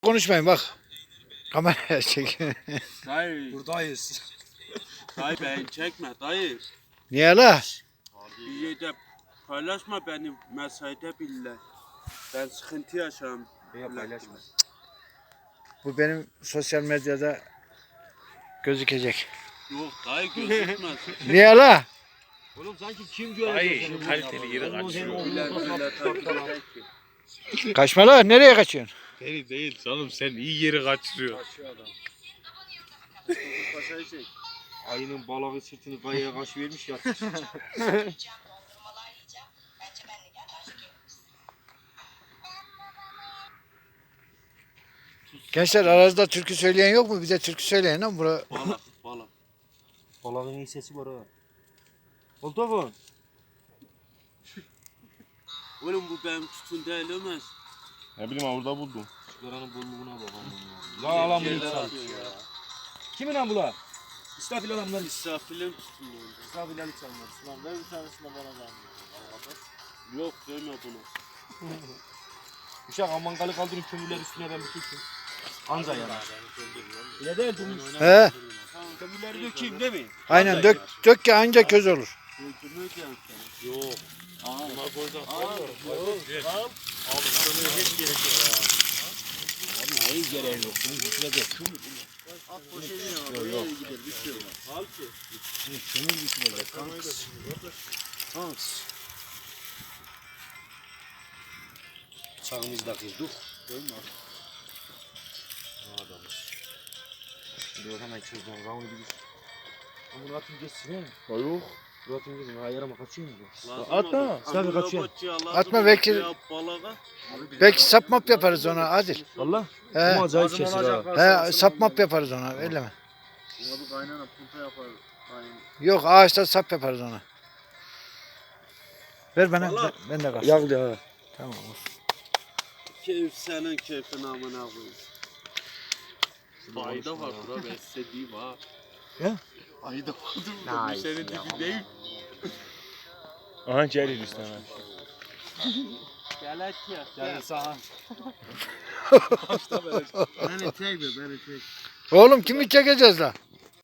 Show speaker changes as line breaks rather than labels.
Konuşmayın bak. Kameraya çek.
Dayı,
Buradayız.
dayı beni çekme dayı.
Niye la?
Bir yerde paylaşma beni mesaide bile. Ben sıkıntı yaşarım.
Ya paylaşma.
Bu benim sosyal medyada gözükecek.
Yok dayı gözükmez.
Niye la?
Oğlum sanki kim görecek
Dayı,
seni?
kaliteli yere kaçıyor.
Kaçma la. Nereye kaçıyorsun?
Seni değil canım, sen iyi yeri kaçırıyorsun.
Paşayı çek.
Ayının balığı sırtını kayaya kaç vermiş ya.
Gençler aranızda türkü söyleyen yok mu? Bize türkü söyleyin lan. Bura...
Balık, balık.
Balığın iyi sesi var ha. Oltafon.
Oğlum bu benim tutun değil Ömer.
Ne bileyim orada buldum.
Çıkaranın bolluğuna bak amına. La alan bunu
Yerler
sal.
atıyor ya.
Kimin lan bu la? İstafil adamlar.
İsrafil'in tutun oldu.
İstafil Ali çalmaz. Lan ver bir tanesini bana da.
Yok deme bunu.
Uşak amangalı kaldırın kömürler üstüne ben bir tutayım. Anca yanar. Öyle değil durmuş.
He.
Kömürleri dökeyim değil mi?
Aynen dök ki anca köz olur.
Öldürmüyor ki seni.
Yok.
Aa,
Bunlar koyacak.
yok.
Abi sana hiç gerek yok.
Abi neyi gereği yok? Bunu bitmedi.
At poşetini ya. Böyle gider bir şey olmaz. Al ki.
Kömür bitmedi. Kanks. Bıçağımızı da kırdık. Değil mi? Ne adamız. Şimdi hemen çözeceğim. Ravunu bir düşün. Bunu atın geçsin he.
Yok.
Dur atın geçsin. Ha yarama kaçıyor mu bu?
Atma.
Sen kaçıyor.
Atma, belki- Belki sapmap yaparız ona Adil.
Valla.
He.
Ama acayip kesir ha.
He, sapmap yaparız ona. Öyle mi?
Abi kaynana punta yapar. Kaynana.
Yok ağaçta sap yaparız ona. Ver bana.
Vallahi.
Ben de kalsın.
Yağlı ha.
Tamam.
Keyif senin keyfin amına koyayım. Ayda var bura ben size diyeyim ha.
Ya?
Ayda vardır burada bu senin dibi değil.
Aha Celil işte.
Gel et ya.
Gel sağa.
Beni çekme beni çek.
Oğlum kimi çekeceğiz la?